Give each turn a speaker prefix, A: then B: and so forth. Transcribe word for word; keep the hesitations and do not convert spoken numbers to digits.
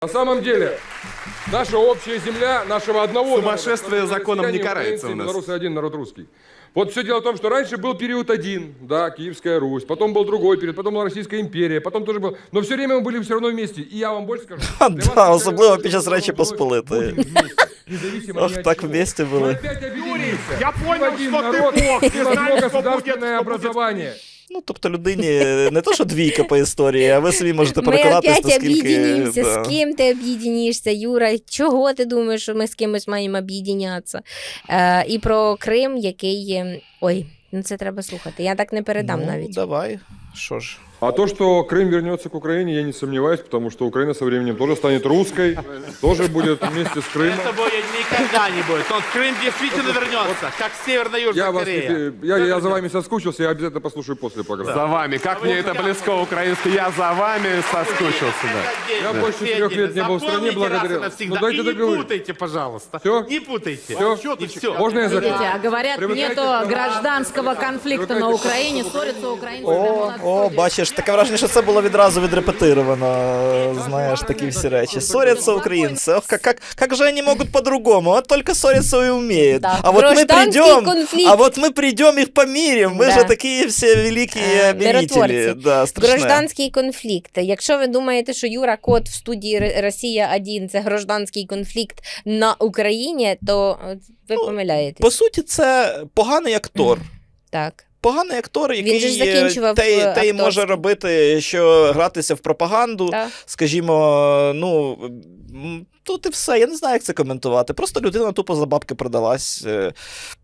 A: На самом деле, наша общая земля, нашего одного
B: Сумасшествие
A: народа,
B: законом не карается
A: украинцы,
B: у нас.
A: белорусы один, народ русский. Вот все дело в том, что раньше был период один, да, Киевская Русь, потом был другой период, потом была Российская империя, потом тоже был, но все время мы были все равно вместе. И я вам больше скажу.
C: Ха,
A: для
C: да,
A: вас
C: особливо
A: это
C: під час Речі Посполитої.
A: будем вместе, независимо
C: Ох,
A: ни от
C: так
A: чего.
C: вместе
A: Мы
C: были.
A: опять объединимся.
B: я
A: И в
B: понял,
A: один
B: что ты
A: народ,
B: бог,
A: и
B: ты
A: в одно
B: знаешь, что будет,
A: государственное
B: что будет.
A: образование.
C: Ну, тобто людині не то, що двійка по історії, а ви собі можете
D: Ми
C: переконатись,
D: опять
C: наскільки...
D: об'єднімося.
C: Да.
D: З ким ти об'єднішся, Юра? Чого ти думаєш, що ми з кимось маємо об'єднятися? Е, і про Крим, який... є- Ой, ну це треба слухати. Я так не передам
C: Ну,
D: навіть.
C: давай, що ж.
A: А то, что Крым вернется к Украине, я не сомневаюсь, потому что Украина со временем тоже станет русской, тоже будет вместе с Крымом.
E: Это будет никогда не будет. Тот Крым действительно вернется, как
A: Я,
E: Северно-Южная
A: вас не
E: Корея.
A: пе- я, я за вами соскучился, я обязательно послушаю после программы.
B: За вами. Как мне это близко украинский. Я за вами соскучился, да.
A: Я больше трех лет не был в стране благодаря...
E: Навсегда.
A: Ну дайте
E: И не
A: договорить.
E: путайте, пожалуйста.
A: Всё?
E: Не путайте.
A: Всё?
E: И все.
A: Можно я
F: Видите,
A: закончу?
F: а говорят,
A: Привыкайте
F: нету
A: к-
F: гражданского конфликта на Украине, ссорятся украинцы
C: О,
F: прямо на
C: о,
F: входе.
C: бачиш, таке враження, що це було відразу відрепетировано, знаєш, такі всі речі. Ссорятся українці, ох, как, как, как же они могут по-другому? Вот только ссориться и умеют.
D: Да.
C: А вот мы
D: Гражданский
C: придем,
D: конфликт.
C: а вот мы придем их помирим, мы
D: Да.
C: же такие все великие
D: Е,
C: мирители.
D: миротворці.
C: Да, страшне.
D: Гражданський конфлікт. Якщо ви думаєте, що Юра Кот в студії Р- Росія один це гражданський конфлікт на Україні, то е, ви
C: Ну,
D: помиляєтесь.
C: По суті, це поганий актор.
D: Так.
C: Поганий актор, який
D: же ж закінчував,
C: те,
D: е,
C: те й може
D: акторський.
C: робити, що гратися в пропаганду,
D: Так.
C: скажімо, ну, м, тут і все. Я не знаю, як це коментувати. Просто людина тупо за бабки продалась. Е,